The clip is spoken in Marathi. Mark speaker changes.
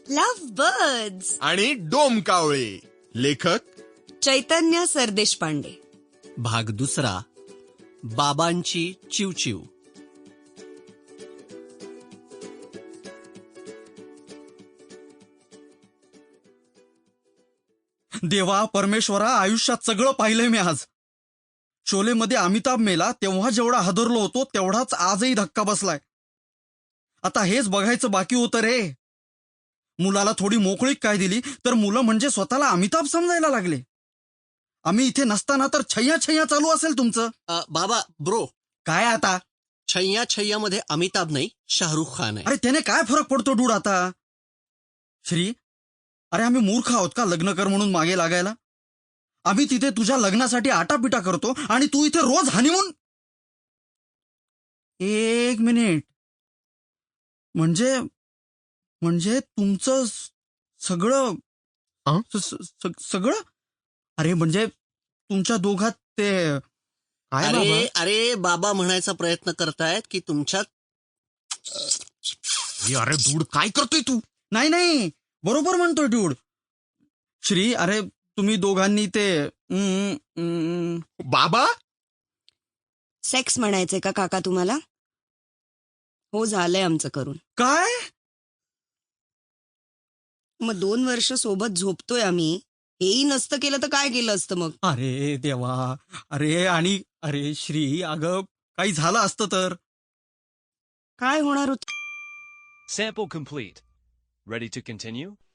Speaker 1: Love birds.
Speaker 2: आणि डोमकावळे. लेखक
Speaker 1: चैतन्य सरदेशपांडे.
Speaker 3: भाग दुसरा, बाबांची चिवचिव.
Speaker 4: देवा परमेश्वरा, आयुष्यात सगळं पाहिलंय मी आज. शोलेमध्ये अमिताभ मेला तेव्हा जेवढा हादरलो होतो तेवढाच आजही धक्का बसलाय. आता हेच बघायचं बाकी होतं रे. मुलाला थोडी मोकळीक काय दिली तर मुलं म्हणजे स्वतःला अमिताभ समजायला लागले. आम्ही इथे नसताना तर छैया छैया चालू असेल तुमचं.
Speaker 3: बाबा ब्रो,
Speaker 4: काय आता?
Speaker 3: छैया छैया मध्ये अमिताभ नाही, शाहरुख खान आहे.
Speaker 4: अरे त्याने काय फरक पडतो डूड आता? श्री, अरे आम्ही मूर्ख आहोत का लग्न कर म्हणून मागे लागायला? आम्ही तिथे तुझ्या लग्नासाठी आटापिटा करतो आणि तू इथे रोज हनीमून. एक मिनिट. म्हणजे तुमचं सगळं सगळं? अरे म्हणजे तुमच्या दोघात ते
Speaker 3: अरे बाबा म्हणायचा प्रयत्न करतायत की तुमच्यात.
Speaker 2: अरे डूड, काय करतोय तू?
Speaker 4: नाही बरोबर म्हणतोय डूड. श्री, अरे तुम्ही दोघांनी ते
Speaker 2: बाबा,
Speaker 1: सेक्स म्हणायचंय का काका तुम्हाला? हो, झालंय आमचं करून.
Speaker 4: काय?
Speaker 1: मग 2 वर्ष सोबत झोपतोय आम्ही. हेही नसतं केलं तर काय केलं असतं मग?
Speaker 4: अरे देवा. अरे श्री, अगं काही झालं असतं तर.
Speaker 1: काय होणार होत?
Speaker 5: Sample complete. Ready to continue?